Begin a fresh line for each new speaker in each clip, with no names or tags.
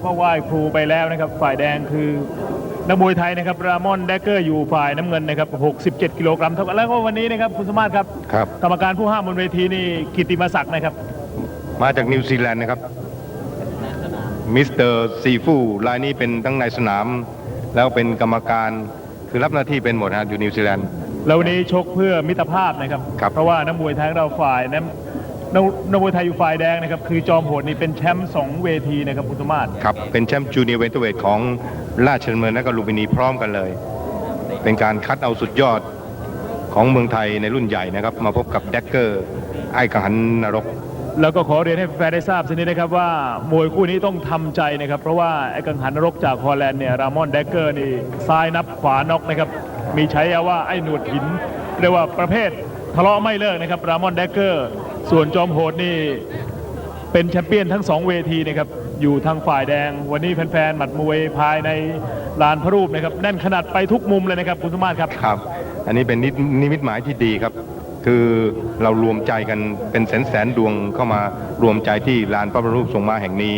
ก็ไหว้ครูไปแล้วนะครับฝ่ายแดงคือนักมวยไทยนะครับรามอนแดกเกอร์อยู่ฝ่ายน้ำเงินนะครับ67กิโลกรัมเท่ากันแล้วก็วันนี้นะครับคุณสมมาตรครับกรรมการผู้ห้ามบนเวทีนี่กิตติมศักดิ์นะครับ
มาจากนิวซีแลนด์นะครับมิสเตอร์ซีฟูรายนี้เป็นทั้งในสนามแล้วเป็นกรรมการคือรับหน้าที่เป็นหมดนะอยู่นิวซีแลนด์
แล้ววันนี้ชกเพื่อมิตรภาพนะครับเพราะว่านักมวยไทยเราฝ่ายนักมวยไทยอยู่ฝ่ายแดงนะครับคือจอมโหดนี่เป็นแชมป์2เวทีนะครับคุณสมมาตร
ครับเป็นแชมป์จูเนียร์เวเตอร์เวทของราชดำเนินและก็ลุมพินีพร้อมกันเลยเป็นการคัดเอาสุดยอดของเมืองไทยในรุ่นใหญ่นะครับมาพบกับแดกเกอร์ไอ้กังหันนรก
แล้วก็ขอเรียนให้แฟนได้ทราบสักนิดนะครับว่ามวยคู่นี้ต้องทำใจนะครับเพราะว่าไอ้กังหันนรกจากฮอลแลนด์เนี่ยรามอนแดกเกอร์นี่ซ้ายนับขวาน็อกนะครับมีฉายาว่าไอ้หนวดหินเรียกว่าประเภททะเลาะไม่เลิกนะครับรามอนแดกเกอร์ส่วนจอมโหดนี่เป็นแชมเปี้ยนทั้ง2เวทีนะครับอยู่ทางฝ่ายแดงวันนี้แฟนๆหมัดมวยภายในลานพระรูปนะครับแน่นขนาดไปทุกมุมเลยนะครับคุณสมมาตรครับ
ครับอันนี้เป็นนิมิตหมายที่ดีครับคือเรารวมใจกันเป็นแสนดวงเข้ามารวมใจที่ลานพระบรมรูปทรงม้าแห่งนี้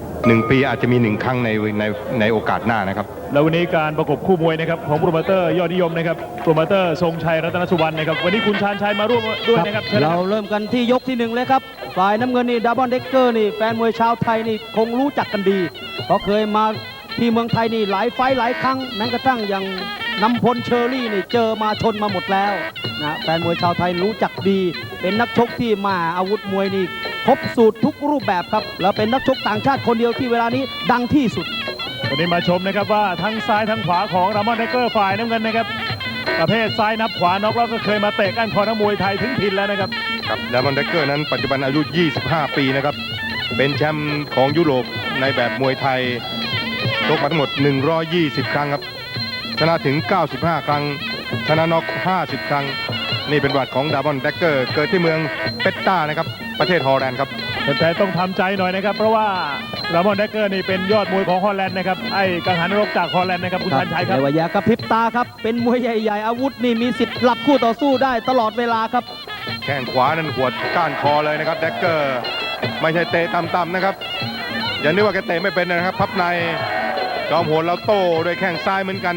1 ปีอาจจะมี1 ครั้งในโอกาสหน้านะครับ
แล้ววันนี้การประกบคู่มวยนะครับของโปรโมเตอร์ยอดนิยมนะครับโปรโมเตอร์ทรงชัยรัตนสุวรรณนะครับวันนี้คุณชาญชัยมาร่วมด้วยนะครับ
เราเริ่มกันที่ยกที่1เลยครับฝ่ายน้ำเงินนี่ดับเบิลเดกเกอร์นี่แฟนมวยชาวไทยนี่คงรู้จักกันดีเพราะเคยมาที่เมืองไทยนี่หลายไฟหลายครั้งแม้กระทั่งอย่างนำพลเชอรี่นี่เจอมาชนมาหมดแล้วนะแฟนมวยชาวไทยรู้จักดีเป็นนักชกที่มาอาวุธมวยนี่ครบสูตรทุกรูปแบบครับแล้วเป็นนักชกต่างชาติคนเดียวที่เวลานี้ดังที่สุด
วันนี้มาชมนะครับว่าทั้งซ้ายทั้งขวาของรามอนแดกเกอร์ฝ่ายน้ำเงินนะครับประเภทซ้ายนับขวาน็อกแล้วก็เคยมาเตะก้านคอนักมวยไทยถึงถิ่นแล้วนะครับ
ครับรามอนแดกเกอร์นั้นปัจจุบันอายุ25 ปีนะครับเป็นแชมป์ของยุโรปในแบบมวยไทยชกมาทั้งหมด120 ครั้งครับชนะถึง95 ครั้งชนะน็อก50 ครั้งนี่เป็นประวัติของรามอนแดกเกอร์เกิดที่เมืองเปตตานะครับประเทศฮอลแลนด์ครับ
แต่ต้องทำใจหน่อยนะครับเพราะว่ารามอนแดกเกอร์นี่เป็นยอดมวยของฮอลแลนด์นะครับไอ้กังหันนรกจากฮอลแลนด์นะครับคุณชันชัยครับ
แต่ว่าอย่ากระพริบตาครับเป็นมวยใหญ่ๆอาวุธนี่มีสิทธิ์หลับคู่ต่อสู้ได้ตลอดเวลาครับ
แข้งขวานั้นหัวก้านคอเลยนะครับแดกเกอร์ไม่ใช่เตะต่ำๆนะครับอย่านึกว่าแกเตะไม่เป็นนะครับพับในจอมโหดเราโต้ด้วยแข้งซ้ายเหมือนกัน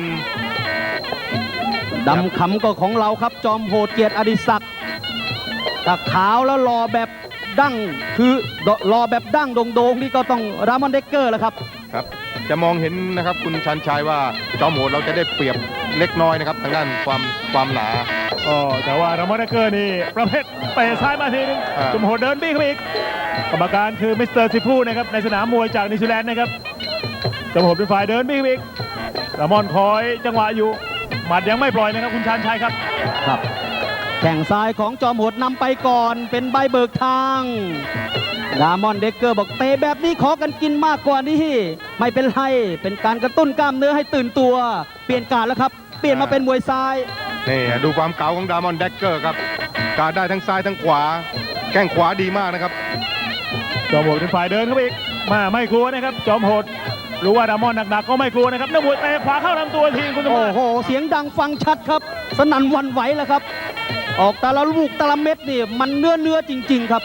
ดำขำก็ของเราครับจอมโหดเกียรติอดิศักดิ์ตาขาวแล้วรอแบบดั้งคือรอแบบดั้งโด่งๆนี่ก็ต้องรามอนแดกเกอร์แล้วครับ
ครับจะมองเห็นนะครับคุณชันชัยว่าจอมโหดเราจะได้เปรียบเล็กน้อยนะครับทางด้านความหนา
แต่ว่ารามอนแดกเกอร์นี่ประเภทเตะซ้ายมาทีนึงจอมโหดเดินบี้เข้าไปอีกกรรมการคือมิสเตอร์ซิฟูนะครับในสนามมวยจากนิวซีแลนด์นะครับจอมโหดเป็นฝ่ายเดินบี้เข้าไปอีกรามอนคอยจังหวะอยู่หมัดยังไม่ปล่อยนะครับคุณชาญชัยครับ
ครับแข่งซ้ายของจอมโหดนำไปก่อนเป็นใบเบิกทางรามอนแดกเกอร์บอกเตะแบบนี้ขอกันกินมากกว่านี้ไม่เป็นไรเป็นการกระตุ้นกล้ามเนื้อให้ตื่นตัวเปลี่ยนการแล้วครับเปลี่ยนมาเป็นมวยซ้าย
นี่ดูความเก๋าของรามอนแดกเกอร์ครับการได้ทั้งซ้ายทั้งขวาแข้งขวาดีมากนะครับ
จอมโหดเป็นฝ่ายเดินเข้าไปอีกไม่กลัวนะครับจอมโหดรู้ว่ารามอนหนักๆก็ไม่กลัวนะครับนักมวยเตะขวาเข้าลำตัวทีคุณสมบัติ
โอ้โหเสียงดังฟังชัดครับสนั่นวันไหวแล้วครับออกแต่ละลูกแต่ละเม็ดนี่มันเนื้อจริงๆครับ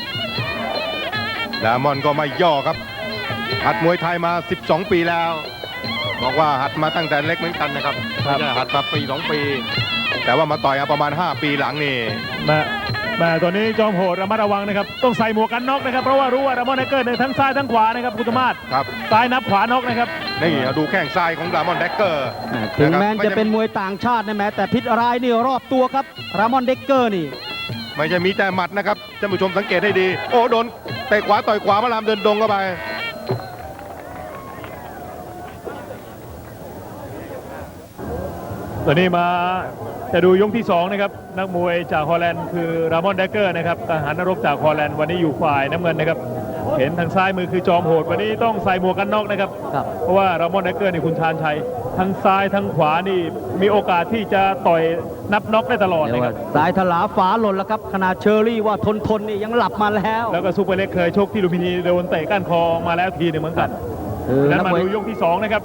รามอนก็ไม่ย่อครับหัดมวยไทยมา12 ปีแล้วบอกว่าหัดมาตั้งแต่เล็กเหมือนกันนะครับหัดมาปี2 ปีแต่ว่ามาต่อยประมาณ5 ปีหลังนี่
แม่ตัวนี้จอมโหดระมัดระวังนะครับต้องใส่หมวกกันน็อกนะครับเพราะว่ารู้ว่ารามอนแดกเกอร์ทั้งซ้ายทั้งขวานะครับคุณสมมาตร
ครับ
ซ้ายนับขวาน็อกนะครับ
นี่ดูแข้งซ้ายของรามอนแดกเกอร์
ถึงแม้จะเป็นมวยต่างชาตินะแม้แต่พิษร้ายนี่รอบตัวครับรามอนแดกเกอร์นี่
ไม่ใช่มีแต่หมัดนะครับท่านผู้ชมสังเกตให้ดีโอ้โดนเตะขวาต่อยขวามาลามเดินดงเข้าไป
ตอนนี้มาจะดูยกที่2นะครับนักมวยจากฮอลแลนด์คือรามอนแดกเกอร์นะครับทหารนรกจากฮอลแลนด์วันนี้อยู่ฝ่ายน้ำเงินนะครับเห็นทางซ้ายมือคือจอมโหดวันนี้ต้องใส่หมวกกันน็อกนะครับเพราะว่ารามอนแดกเกอร์นี่คุณชาญชัยทั้งซ้ายทั้งขวานี่มีโอกาสที่จะต่อยนับน็อกได้ตลอดนะครับ
ซ้ายถลาฝาหล่นแล้วครับขนาดเชอรี่ว่าทนนี่ยังหลับมาแล้ว
ก็ซุปเปอร์เล็กเคยชกที่ลุมพินีโดนเตะก้านคอมาแล้วทีหนึ่งเหมือนกันแล้วมาดูยกที่2นะครับ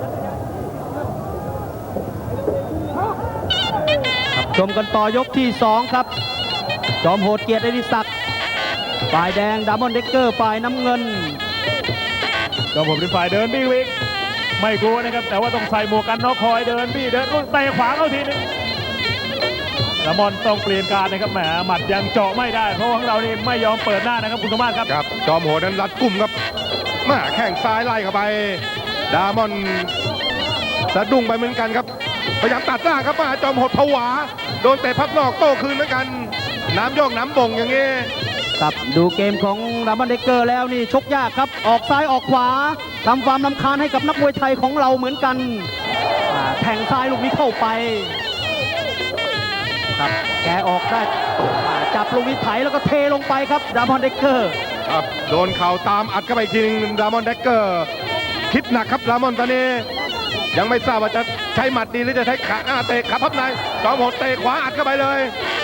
ชมกันต่อยกที่2ครับจอมโหดเกียรติอดิศักดิ์ฝ่ายแดงรามอนแดกเกอร์ฝ่ายน้ำเงินจ
ก็ผมเป็นฝ่ายเดินบี้วิกไม่กลัวนะครับแต่ว่าต้องใส่หมวกกันน็อกคอยเดินบี้เดินเตะขวาเข้าทีนึงละมอนต้องเปลี่ยนการนะครับแหมหมัดยังเจาะไม่ได้เพราะของเรานี่ไม่ยอมเปิดหน้านะครับคุณสมมาตรครับ
ครับจอมโหดนั้นรัดกุมครับมาแข้งซ้ายไล่เข้าไปดามอนสะดุ้งไปเหมือนกันครับพยายามตัดหน้าครับมาจอมโหดผวาโดนเตะพับนอกโต้คืนเหมือนกันน้ำโยกน้ำบ่งอย่างงี้
ครับดูเกมของดามอนเดกเกอร์แล้วนี่ชกยากครับออกซ้ายออกขวาทำความรำคาญให้กับนักมวยไทยของเราเหมือนกันแทงซ้ายลูกนี้เข้าไปครับแกออกได้จับลูกนี้ไถแล้วก็เทลงไปครับดามอนเดกเกอร์
ครับโดนเข่าตามอัดเข้าไปอีกทีนึงดามอนแดกเกอร์คิดหนักครับดามอนตอนนี้ยังไม่ทราบว่าจะใช้หมัดดีหรือจะใช้ขาเตะขาพับในจอมโหดเตะขวาอัดเข้าไปเลย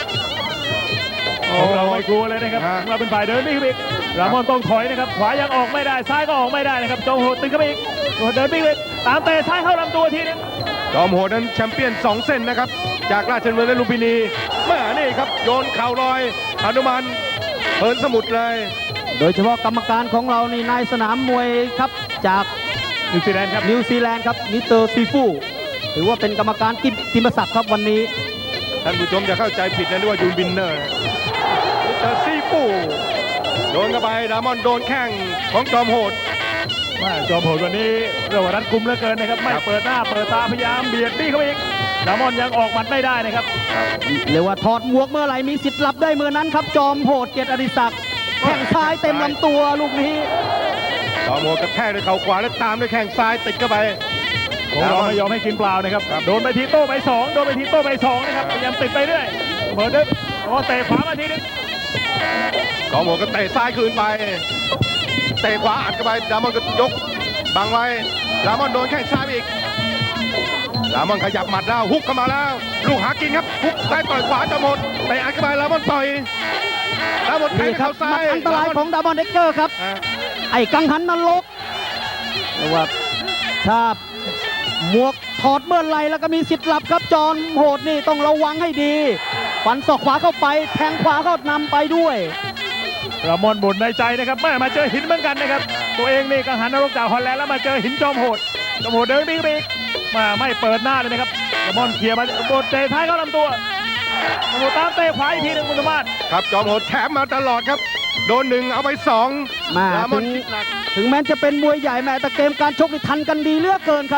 ของเราไม่กลัวเลยนะครับของเราเป็นฝ่ายเดินบี้วิกรามอนต้องถอยนะครับขวายังออกไม่ได้ซ้ายก็ออกไม่ได้นะครับจอมโหดตึงเข้าไปอีกเดินบี้วิกตามเตะซ้ายเข้าลำตัวทีนึง
จอมโหดนั้นแชมเปี้ยน2 เส้นนะครับจากราชดำเนินและลุมพินีแม่นี่ครับโยนเข่าลอยหนุมานเหินสมุทรเลย
โดยเฉพาะกรรมการของเรานี่นายสนามมวยครับจาก
นิวซีแลนด์ครับ
นิวซีแลนด์ครับมิสเตอร์ซีฟูถือว่าเป็นกรรมการกิมศักดิ์ครับวันนี้
ท่านผู้ชมอย่าเข้าใจผิดนะนึกว่ายูนบินเนอร์มิสเตอร์ซีฟูโดนเข้าไปดามอนโดนแข้งของจอมโหด
จอมโหดวันนี้เรียกว่ารัดกุมเหลือเกินนะครับไม่เปิดหน้าเปิดตาพยายามเบียดบี้เข้าไปอีกรามอนยังออกหมัดไม่ได้นะครับ
เรียกว่าถอดหมวกเมื่อไหร่มีสิทธิ์หลับได้เมื่อนั้นครับจอมโหดเกียรติอดิศักดิ์แข้งซ้ายเต็มลำตัวลูกนี้
จอมโหดกระแทกด้วยเข่าขวาแล้วตามด้วยแข้งซ้ายติดเข้าไป
ของเราไม่ยอมให้กินเปล่านะครับโดนไปทีโต้ไป2โดนไปทีโต้ไป2นะครับพยายามติดไปเรื่อยเปิดดึงเตะขวามาทีนึง
จอมโหดก็เตะซ้ายคืนไปเตะขวาอัดเข้าไปดามอนก็ยกบังไว้ดามอนโดนแข้งซ้ายอีกดามอนขยับหมัดแล้วฮุกเข้ามาแล้วลูกหากินครับฮุกซ้ายต่อยขวาจอมโหดเตะอัดเข้าไปดามอนต่อยดามอนแทง
นี่ครั
เข่า
บ
ซ้าย
อันตรายของดามอนเดกเกอร์ครับไอ้กังหันนรกเรียกว่าถ้าหมวกถอดเมื่อไหรแล้วก็มีสิทธิ์หลับครับจอมโหดนี่ต้องระวังให้ดีฟันศอกขวาเข้าไปแทงขวาเข้านำไปด้วย
รามอนบ่นในใจนะครับแม่มาเจอหินเหมือนกันนะครับตัวเองนี่กังหันนรกจากฮอลแลนด์แล้วมาเจอหินจอมโหดจอมโหดเดินบี้อีกมาไม่เปิดหน้าเลยนะครับรามอนเคลียร์มาโดนเตะท้ายเข้าลำตัวจอมโหดตามเตะขวาอีกทีหนึ่งคุณสมบัติ
ครับจอมโหดแถมมาตลอดครับโดน1เอาไป2
มา
ดามอนคิดหนัก
ถึงแม้จะเป็นมวยใหญ่แม้แต่เกมการชกนี่ทันกันดีเหลือกเกินครับ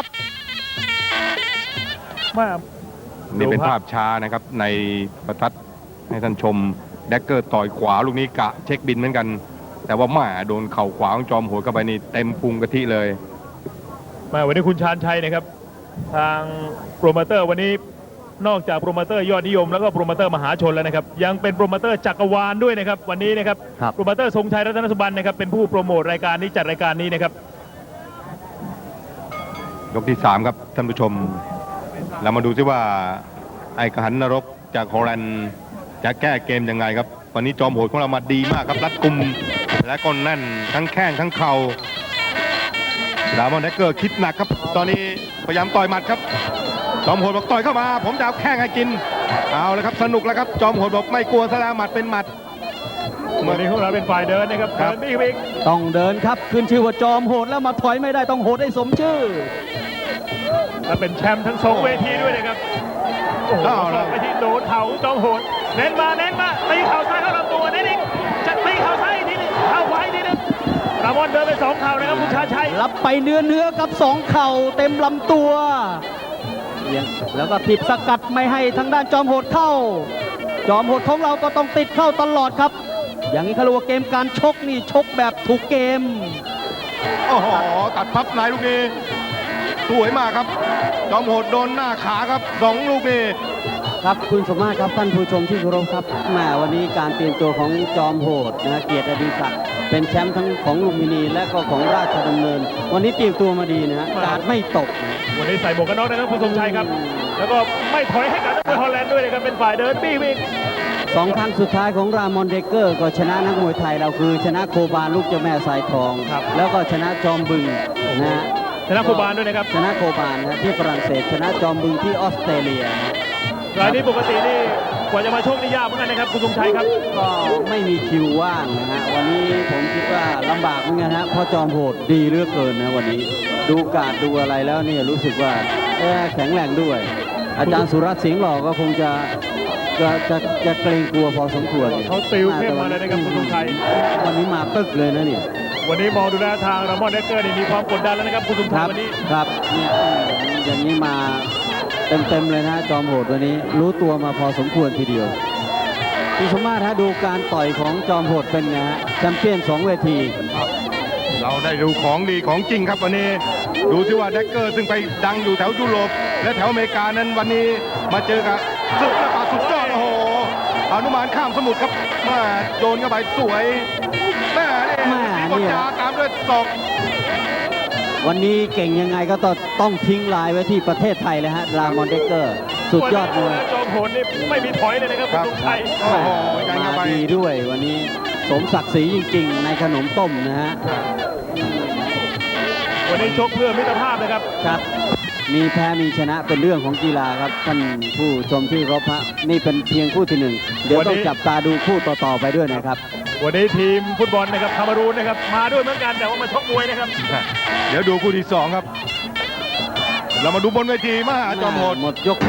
มา
นี่เป็นภาพช้านะครับในประทัดให้ท่านชมแดกเกอร์ต่อยขวาลูกนี้กะเช็คบินเหมือนกัน แต่ว่าแม่โดนเข่าขวาของจอมโหดเข้าไปนี่เต็มพุงกะทิเลย
มาวันนี้คุณชาญชัยนะครับทางโปรโมเตอร์วันนี้นอกจากโปรโมเตอร์ยอดนิยมแล้วก็โปรโมเตอร์มหาชนแล้วนะครับยังเป็นโปรโมเตอร์จักรวาลด้วยนะครับวันนี้นะครับ
ครับ
โปรโมเตอร์ทรงชัยรัตนสุบรรณนะครับเป็นผู้โปรโมทรายการนี้จัดรายการนี้นะครับ
ยกที่ 3 ครับท่านผู้ชม เรามาดูซิว่าไอ้กระหันนรกจากฮอลแลนด์จะแก้เกมยังไงครับวันนี้จอมโหดของเรามาดีมากครับรัดกุมและก็แน่นทั้งแข้งทั้งเข่าดามอนแดกเกอร์คิดหนักครับตอนนี้พยายามต่อยหมัดครับจอมโหดบอกต่อยเข้ามาผมจะเอาแข้งให้กินเอาเลยครับสนุกแล้วครับจอมโหดบอกไม่กลัวซะแล้วหมัดเป็นหมัด
วันนี้ของเราเป็นฝ่ายเดินนะครับ
ครั
เดิ
บ
นบี้อีก
ต้องเดินครับขึ้นชื่อว่าจอมโหดแล้วมาถอยไม่ได้ต้องโหดให้สมชื่อ
และเป็นแชมป์ทั้งสองเวทีด้วยนะครับโอ้โหสองเวทีโดนเข่าจอมโหดเน้นมาตีเข่าซ้ายเข้าลำตัวเน้นอีกจะตีเข่าซ้ายอีกทีหนึงเข่าขวาอีกทีหนึงรามอนเดินไปสองเข่านะครับคุณชาญชัย
รับไปเนื้อกับ2เข่าเต็มลำตัวแล้วก็ถีบสกัดไม่ให้ทางด้านจอมโหดเข้า จอมโหดของเราก็ต้องติดเข้าตลอดครับ อย่างนี้เขาเรียกว่าเกมการชกนี่ชกแบบถูกเกม
โอ้โหตัดพับในลูกนี้สวยมากครับจอมโหดโดนหน้าขาครับ2 ลูกนี้
ครับคุณสมมาตรครับท่านผู้ชมที่เคารพครับแหมวันนี้การเตรียมตัวของจอมโหดนะเกียรติอดิศักดิ์เป็นแชมป์ทั้งของลุมพินีและก็ของราชดำเนิน วันนี้เตรียมตัวมาดีนะฮะการไม่ตก
วันนี้ใส่หมวกกันน็อกนะครับคุณทรงชัยครับแล้วก็ไม่ถอยให้กับนักมวยฮอลแลนด์ด้วยนะครับเป็นฝ่ายเดินบี้อีก
2 ครั้งสุดท้ายของรามอนเดกเกอร์ก็ชนะนักมวยไทยเราคือชนะโคบาลูกเจ้าแม่สายทอง แล้วก็ชนะจอมบึงนะฮะ
ชนะคูบานด้วยนะครับ
ชนะโคบานะที่ฝรั่งเศสชนะจอมบึงที่ออสเตรเลีย
รายนี้ปกตินี่กว่าจะมาโชคนี่ยากเหมือนกันนะครับคุณทรงชัยครับ
ก็ไม่มีคิวว่างนะฮะวันนี้ผมคิดว่าลำบากเหมือนกันฮะเพราะจอมโหดดีเหลือกเกินนะวันนี้ดูการดูอะไรแล้วเนี่ยรู้สึกว่าแข็งแรงด้วย อาจารย์สุรัตน์เสียงหล่อก็คงจะเกรงกลัวพอสมควร
เขาติวเข้มมาเลยนะครับคุณทรงชัย
วันนี้มาตึกเลยนะเนี่ย
วันนี้มองดูแลวทางรามอนเดกเกอร์นี่มีความกดดันแล้วนะครับคุณทรง
ค
ชั
รั
ย
บ
วันนี้
ครับเนี่ยอย่างนี้มาเต็มเลยนะจอมโหดวันนี้รู้ตัวมาพอสมควรทีเดียวพี่สมมาตรฮะดูการต่อยของจอมโหดเป็นไงฮะแชมเปี้ยน2 เวที
เราได้ดูของดีของจริงครับวันนี้ดูซิว่าแดกเกอร์ซึ่งไปดังอยู่แถวยุโรปและแถวอเมริกานั้นวันนี้มาเจอกับสุดและป่าสุดยอดโอ้โหอนุมานข้ามสมุทรครับมาโยนเข้าไปสวยแม่นี่สีบทจาตามด้วยศอก
วันนี้เก่งยังไงก็ต้องทิ้งลายไว้ที่ประเทศไทยเลยฮะรามอนเดกเกอร์สุดยอดมวย
จอมโหดนี่ไม่มีถอยเลยนะครับ
ค
คุ
รั
ณ
บ
ทรงชัย
โอ้โหยังเข้า
มา
ไป
ดีด้วยวันนี้สมศักดิ์ศรีจริงๆ ในขนมต้มนะฮะ
วันนี้ชกเพื่อมิตรภาพนะครับ
ครับมีแพ้มีชนะเป็นเรื่องของกีฬาครับท่านผู้ชมที่เคารพฮะนี่เป็นเพียงคู่ที่ 1เดี๋ยวต้องจับตาดูคู่ต่อๆไปด้วยนะครับ
วันนี้ทีมฟุตบอลนะครับคามารูนนะครับมาด้วยเหมือนกันแต่ว่ามาชกมวยนะครับ
เดี๋ยวดูคู่ที่ 2 ครับ เรามาดูบนเวทีมหาจอมโหด
หมดยก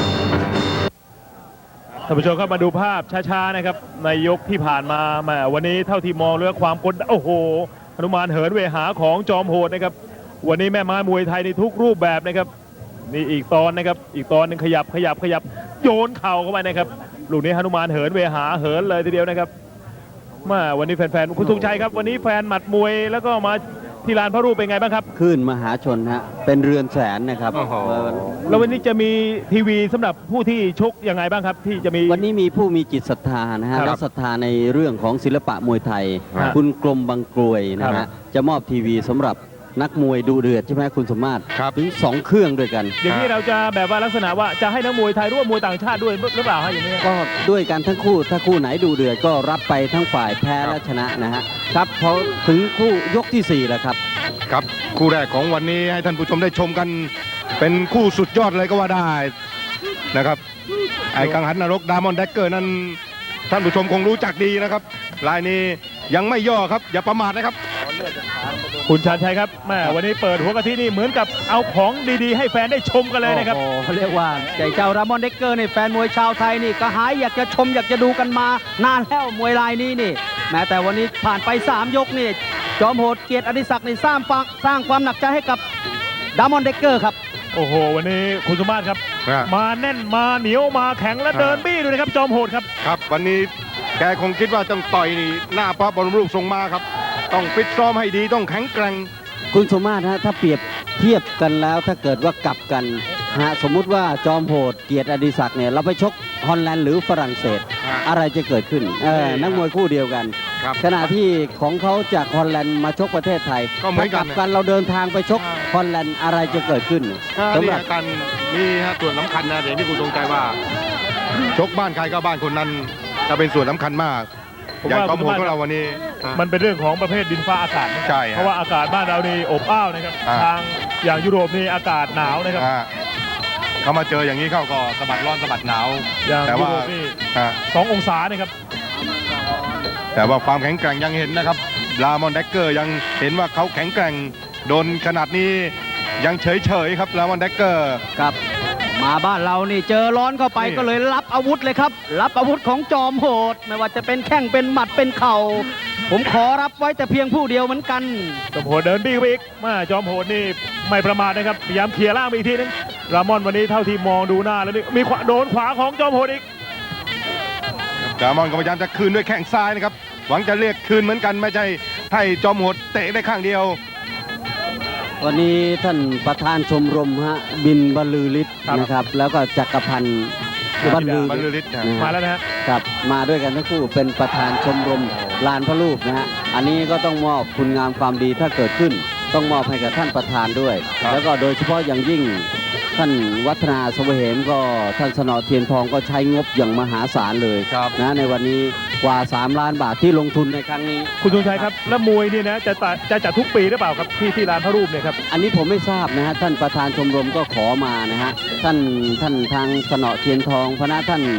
ท่านผู้ชมครับมาดูภาพช้าๆนะครับในยกที่ผ่านมาแหมวันนี้เท่าที่มองเรื่องความกดดันโอ้โหหนุมานเหินเวหาของจอมโหดนะครับวันนี้แม่ไม้มวยไทยในทุกรูปแบบนะครับนี่อีกตอนนะครับอีกตอนหนึงขยับโยนเข่าเข้าไปนะครับลูกนี้หนุมานเหินเวหาเหินเลยทีเดียวนะครับมาวันนี้แฟนๆคุณทรงชัยครับวันนี้แฟนหมัดมวยแล้วก็มาที่ลานพระรูปเป็นไงบ้างครับ
คลื่นมหาชนฮะเป็นเรือนแสนนะครับ
โอ้โห
แล้ววันนี้จะมีทีวีสำหรับผู้ที่ชกยังไงบ้างครับที่จะมี
วันนี้มีผู้มีจิตศรัทธานะฮะ
ครับ
และศรัทธาในเรื่องของศิลปะมวยไทย
ครับ
คุณกรมบางกรวยนะ
ครั
ฮะ
บ
จะมอบทีวีสำหรับนักมวยดูเดือดใช่ไหมคุณสมมาตร
ครับ
ถึง2 เครื่องด้วยกัน
อย่างนี้เราจะแบบว่าลักษณะว่าจะให้นักมวยไทยร่วมมวยต่างชาติด้วยหรือเปล่าฮะอย่างนี้
ก็ด้วยกันทั้งคู่ถ้าคู่ไหนดูเดือดก็รับไปทั้งฝ่ายแพ้และชนะนะฮะครับพอถึงคู่ยกที่4แล้วครับ
ครับคู่แรกของวันนี้ให้ท่านผู้ชมได้ชมกันเป็นคู่สุดยอดเลยก็ว่าได้นะครับไอ้กังหันนรกดามอนแดกเกอร์นั้นท่านผู้ชมคงรู้จักดีนะครับรายนี้ยังไม่ย่อครับอย่าประมาทนะครับ
คุณชาญชัยครับแม่วันนี้เปิดหัวกะทินี่เหมือนกับเอาของดีๆ ให้แฟนได้ชมกันเลยนะครับ
โอ้โหเรียกว่าใจเจ้ารามอนเดกเกอร์นี่แฟนมวยชาวไทยนี่ก็หายอยากจะชมอยากจะดูกันมานานแล้วมวยรายนี้นี่แม้แต่วันนี้ผ่านไป3 ยกนี่จอมโหดเกียรติอดิศักดิ์นี่สร้างความหนักใจให้กับดามอนเดกเกอร์ครับ
โอ้โห วันนี้คุณสมมาตรครับ
ครับ
มาแน่นมาเหนียวมาแข็งและเดินบี้ด้วยนะครับ จอมโหดครับ
ครับวันนี้แกคงคิดว่าต้องต่อยนี่หน้าพระบรมรูปทรงมาครับต้องฟิตซ้อมให้ดีต้องแข็งแกร่ง
คุณสมมาตรฮะถ้าเปรียบเทียบกันแล้วถ้าเกิดว่ากลับกันฮะสมมุติว่าจอมโหดเกียรติอดิศักดิ์เนี่ยเราไปชกฮอลแลนด์หรือฝรั่งเศส อะไรจะเกิดขึ้นนักมวยคู่เดียวกัน
ครับ
ขณะที่ของเขาจากฮอลแลนด์มาชกประเทศไทย
ก็เหมือนกัน
ถ้ากลับกันเราเดินทางไปชกฮอลแลนด์อะไรจะเกิดขึ้นสำห
นี่
รับ
กันนี่ฮะส่วนสำคัญนะเดี๋ยวที่คุณทรงใจว่า ชกบ้านใครก็บ้านคนนั้นจะเป็นส่วนสำคัญมาก
ผม
อย่าง
ว่า
จอมโหดของเราวันนี้
มันเป็นเรื่องของประเภทดินฟ้าอากาศนะ
ใช่ฮะ
เพราะว่าอากาศบ้านเรานี่อบอ้าวนะครับ
อ่า
ทางอย่างยุโรปนี่อากาศหนาวนะครับ
อ่าเขามาเจออย่างนี้เข้าก็สะบัดร้อนสะบัดหนาว
อย่าง
แต่
ยุ
ว่า
โรปนี่
อ่า
2 องศานะครับ
แต่ว่าความแข็งแกร่งยังเห็นนะครับลามอนแดกเกอร์ยังเห็นว่าเขาแข็งแกร่งโดนขนาดนี้ยังเฉยๆครับลามอนแดกเกอร์
ครับมาบ้านเรานี่เจอร้อนเข้าไป
นี่
ก็เลยรับอาวุธเลยครับ รับอาวุธของจอมโหด ไม่ว่าจะเป็นแข้งเป็นหมัดเป็นเข่า ผมขอรับไว้แต่เพียงผู้เดียวเหมือนกัน
จอมโหดเดินบี้ไปอีกมาจอมโหดนี่ไม่ประมาทนะครับพยายามเคลียร์ล่างไปอีกทีนึงรามอนวันนี้เท่าที่มองดูหน้าแล้วนี่มีขวาโดนขวาของจอมโหดอีก
ลามอนก็พยายามจะคืนด้วยแข้งซ้ายนะครับหวังจะเรียกคืนเหมือนกันไม่ใช่ให้จอมโหดเตะได้ข้างเดียว
วันนี้ท่านประธานชมรมฮะบินบรรลือฤทธิ์
ครับ
นะครับ แล้วก็จักรพันธ์บรรลือบ
รรลือฤทธิ์
นะ
มา
ฮะ
แล้วนะฮะ
ครับมาด้วยกันทั้งคู่เป็นประธานชมรมลานพระรูปนะฮะอันนี้ก็ต้องมอบคุณงามความดีถ้าเกิดขึ้น ต้องมอบให้กับท่านประธานด้วย
ครับ
แล้วก็โดยเฉพาะอย่างยิ่งท่านวัฒนาสเวเหมก็ท่านสนอเทียนทองก็ใช้งบอย่างมหาศาลเลย
ครับ
นะในวันนี้กว่า 3 ล้านบาทที่ลงทุนในครั้งนี้
คุณธงชัยครับแล้วมวยนี่นะจะจัดทุกปีหรือเปล่าครับที่ลานพระรูปเนี่ยครับ
อันนี้ผมไม่ทราบนะฮะท่านประธานชมรมก็ขอมานะฮะท่านทางสนอเทียนทองพระท่าน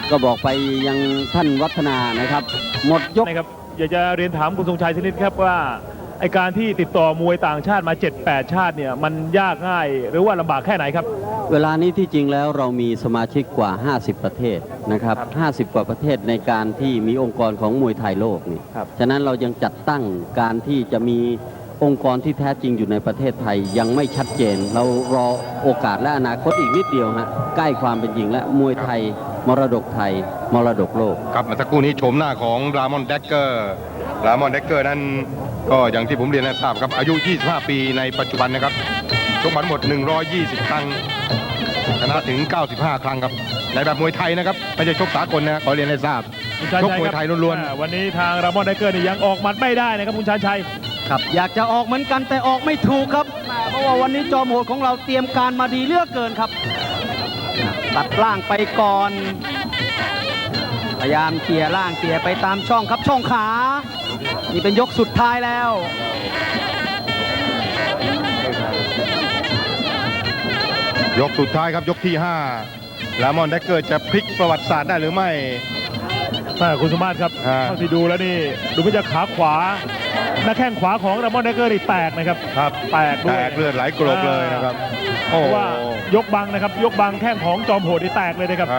ก็บอกไปยังท่านวัฒนานะครับ หมดยก
นะครับอยากจะเรียนถามคุณทรงชัยชนิดครับว่าไอการที่ติดต่อมวยต่างชาติมา 7-8 ชาติเนี่ยมันยากง่ายหรือว่าลำบากแค่ไหนครับ
เวลานี้ที่จริงแล้วเรามีสมาชิกกว่า 50 ประเทศนะครับ 50 กว่าประเทศในการที่มีองค์กรของมวยไทยโลกนี่
ครับ
ฉะนั้นเรายังจัดตั้งการที่จะมีองค์กรที่แท้จริงอยู่ในประเทศไทยยังไม่ชัดเจน เรารอโอกาสและอนาคตอีกนิดเดียวฮะใกล้ความเป็นจริงและมวยไทย มรดกไทย มรดกโลก
ครับเมื่อสักครู่นี้โฉมหน้าของรามอนแดกเกอร์นั้นก็อย่างที่ผมเรียนให้ทราบครับอายุ 25 ปีในปัจจุบันนะครับชกมาทั้งหมด 120 ครั้งชนะถึง 95 ครั้งครับในแบบมวยไทยนะครับไม่ใช่ชกสากลนะขอเรียนให้ทราบ
คุณชาญ
ชก
ชัย
มวย
ครับ
ไทยล้วน
วันนี้ทางรามอนไดเกอร์นี่ยังออกหมัดไม่ได้นะครับคุณชาญชัย
ครับอยากจะออกเหมือนกันแต่ออกไม่ถูกครับเพราะว่าวันนี้จอมโหดของเราเตรียมการมาดีเหลือกเกินครับ ตัดล่างไปก่อน พยายามเขี่ยล่างเขี่ยไปตามช่องครับช่องขา นี่เป็นยกสุดท้ายแล้ว
ๆยกสุดท้ายครับยกที่ 5 รามอนแดกเกอร์จะพลิกประวัติศาสตร์ได้หรือไม่
คุณสมมาตรครับ
อ่า
เท่าที่ดูแล้วนี่ดูว่าจะขาขวาหน้าแข้งขวาของรามอนไดเกอร์นี่แตกนะครับ
ครับ
แตกด้วย
แตกเลือดไหลกรบเลยนะครับ
เพ
โอ้
ราะว่ายกบังนะครับยกบังแข้งของจอมโหดนี่แตกเลยนะครับ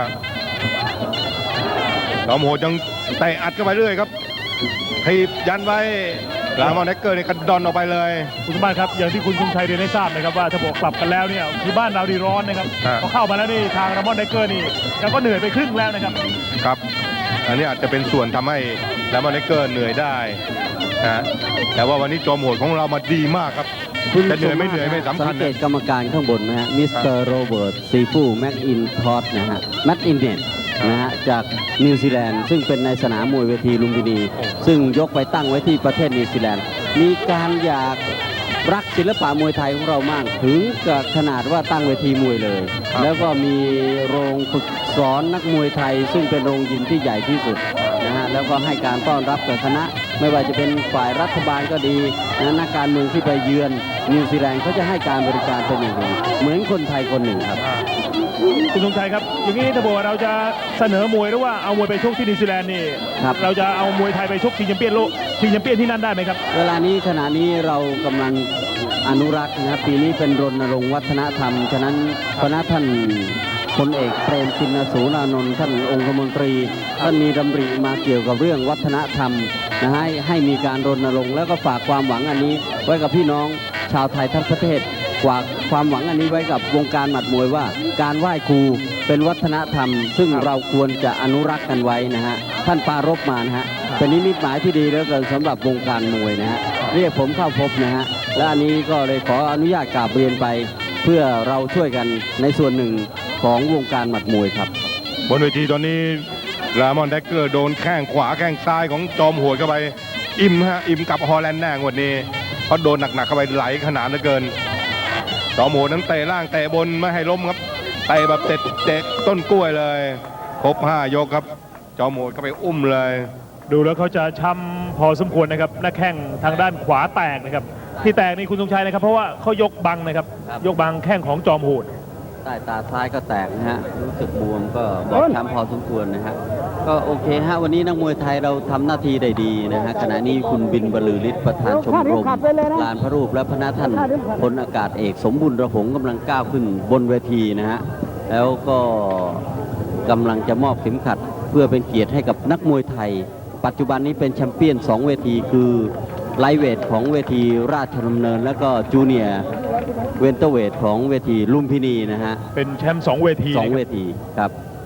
จอมโหดยังเตะอัดเข้าไปเรื่อยครับทีบยันไว้รามอนแดกเกอร์เนี่ยกระดอนออกไปเลย
คุณสมบัติครับอย่างที่คุณธงชัยเรียนให้ทราบนะครับว่าถ้าบอกกลับกันแล้วเนี่ยคือบ้านเราดีร้อนนะครับ
ครับ
พอเข้ามาแล้วนี่ทางรามอนไดเกอร์นี่แกก็เหนื่อยไปครึ่งแล้วนะครับ
ครับ อันนี้อาจจะเป็นส่วนทำให้รามอนแดกเกอร์เหนื่อยได้นะแต่ว่าวันนี้จอมโหดของเรามาดีมากครับ จะเหนื่อยไม่เหนื่อยไม่สำคัญ
สังเก
นะ
ตกรรมการข้างบนนะฮะมิสเตอร์โรเบิร์ตซีฟูแม็กอินทอสนะฮะแม็กอินเนตนะฮะจากนิวซีแลนด์ซึ่งเป็นในสนามมวยเวทีลุมพินี ซึ่งยกไปตั้งไว้ที่ประเทศนิวซีแลนด์มีการอยากรักศิลปะมวยไทยของเรามาก ถึงกับขนาดว่าตั้งเวทีมวยเลย แล้วก็มีโรงฝึกสอนนักมวยไทย ซึ่งเป็นโรงยิมที่ใหญ่ที่สุดนะฮะแล้วก็ให้การต้อนรับกับคณะ ไม่ว่าจะเป็นฝ่ายรัฐบาลก็ดีนะนักการเมืองที่ไปเยือนนิวซีแลนด์เขาจะให้การบริการเป็นอย่างดีเหมือนคนไทยคนหนึ่งครับ
คุณธงชัยครับอย่างนี้ถ้าบอกว่าเราจะเสนอมวยหรือว่าเอามวยไปชกที่นิวซีแลนด์นี่
ครับ
เราจะเอามวยไทยไปชกชิงแชมเปี้ยนโลกชิงแชมเปี้ยนที่นั่นได้ไหมครับ
เวลานี้ขณะนี้เรากำลังอนุรักษ์นะครับปีนี้เป็นรณรงค์วัฒนธรรม ฉะนั้นคณะท่านพลเอกเปรมติณสูรานนท์ท่านองคมนตรีท่านมีดำริมาเกี่ยวกับเรื่องวัฒนธรรมนะให้มีการรณรงค์แล้วก็ฝากความหวังอันนี้ ไว้กับพี่น้องชาวไทยทั้งประเทศฝากความหวังอันนี้ไว้กับวงการหมัดมวยว่า การไหว้ครูเป็นวัฒนธรรม ซึ่งเราควรจะอนุรักษ์กันไว้นะฮะท่านปรารภมานะฮะเป็นนิมิตหมายที่ดีเหลือเกินสำหรับวงการมวยนะฮะเรียกผมเข้าพบนะฮะและอันนี้ก็เลยขออนุญาตกราบเรียนไป เพื่อเราช่วยกันในส่วนหนึ่งของวงการหมัดมวยครับ
บนเวทีตอนนี้รามอนแดกเกอร์โดนแข้งขวาแข้งซ้ายของจอมโหดเข้าไป อิ่มกับฮอลแลนด์แน่งวดนี้เพราะโดนหนักๆเข้าไปไหลขนาดเหลือเกินจอมโหดนั้นเตะล่างเตะบนไม่ให้ล้มครับเตะแบบเตะต้นกล้วยเลยครบ5 ยกครับจอมโหดเข้าไปอุ้มเลย
ดูแล้วเขาจะช้ำพอสมควรนะครับหน้าแข้งทางด้านขวาแตกนะครับที่แตกนี่คุณธงชัยนะครับเพราะว่าเขายกบังนะครับ
ครับ
ยกบังแข้งของจอมโหด
ใต้ตาซ้ายก็แตกนะฮะรู้สึกบวมก็บอบช้ำพอสมควรนะฮะก็โอเคฮะวันนี้นักมวยไทยเราทำหน้าที่ได้ดีนะฮะขณะนี้คุณบินบรรลือฤทธิ์ประธานชมรมลานพระรูปและพระนาท่านพลอากาศเอกสมบุญระหงกำลังก้าวขึ้นบนเวทีนะฮะแล้วก็กำลังจะมอบเข็มขัดเพื่อเป็นเกียรติให้กับนักมวยไทย ปัจจุบันนี้เป็นแชมเปี้ยน2 เวทีคือไลท์เวทของเวทีราชดำเนิน แล้วก็จูเนียร์เวนเตอร์เวทของเวทีลุมพินีนะฮะ
เป็นแชมป์2 เวที
2 เวทีครับ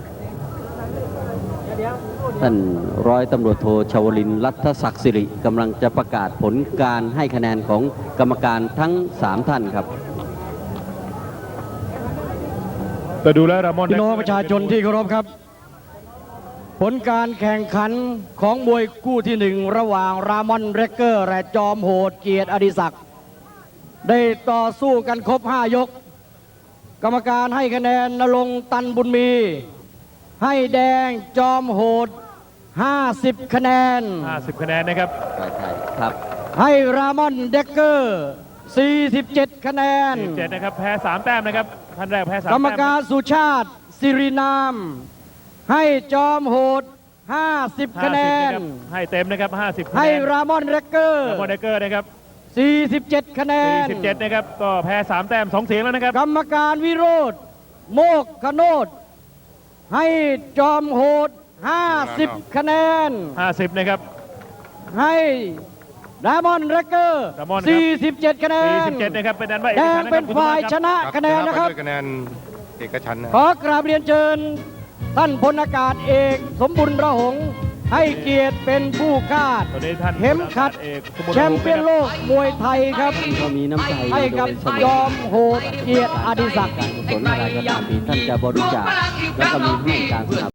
ท่านร้อยตำรวจโทชวลินทร์รัฐศักดิ์สิริกำลังจะประกาศผลการให้คะแนนของกรรมการทั้ง 3 ท่านครับ
แต่ดูแล้วรามอน
พี่น้องประชาชนที่เคารพครับ ผลการแข่งขันของมวยคู่ที่ 1 ระหว่างรามอนเรกเกอร์และจอมโหดเกียรติอดิศักดิ์ได้ต่อสู้กันครบ 5 ยก กรรมการให้คะแนนณรงค์ตันบุญมี ให้แดงจอมโหด 50 คะแนน
50 คะแนนนะครับ
ครับ
ให้รามอนเรกเกอร์ 47 คะแนน
17นะครับแพ้3 แต้มนะครับท่านแรกแพ้3
กรรมการสุชาติสิรินามให้จอมโหด 50 คะแนน
50ะครับให้เต็มนะครับ50คะแนน
ให้รามอนแรกเกอร์
รามอนเดกเกอร์นะครับ
47 คะแนน
47นะครับก็แพ้3แต้ม2เสียงแล้วนะครับ
กรรมการวิโรธโมกขโนดให้จอมโหด 50 คะแนน
50นะครับ
ให้รามอนแรกเกอร์
รามอนครับ
47 คะแนน
47นะครับเป็นอันว่า
แดงเป็นฝ่าย
ครับ
ชนะคะแนนนะครับ
ชไปด้วยคะแนนเอกฉันท์นะ
ขอกราบเรียนเชิญ ท่านพลอากาศเอกสมบุญระหงษ์ให้เกียรติเป็นผู้คาด
ตอนนี้ท่าน
เข็มขัด
เอกสมุทร
แชมป์เปี้ยนโลกมวยไทยครับ
ก็มีน้ำใจ
ให้กับ
โดยเสม
ยอมโหดเกียรติอดิศักดิ์
การกุศลอะไรก็ตามที่ท่านจะบริจาคแล้วก็มีผู้การสนับ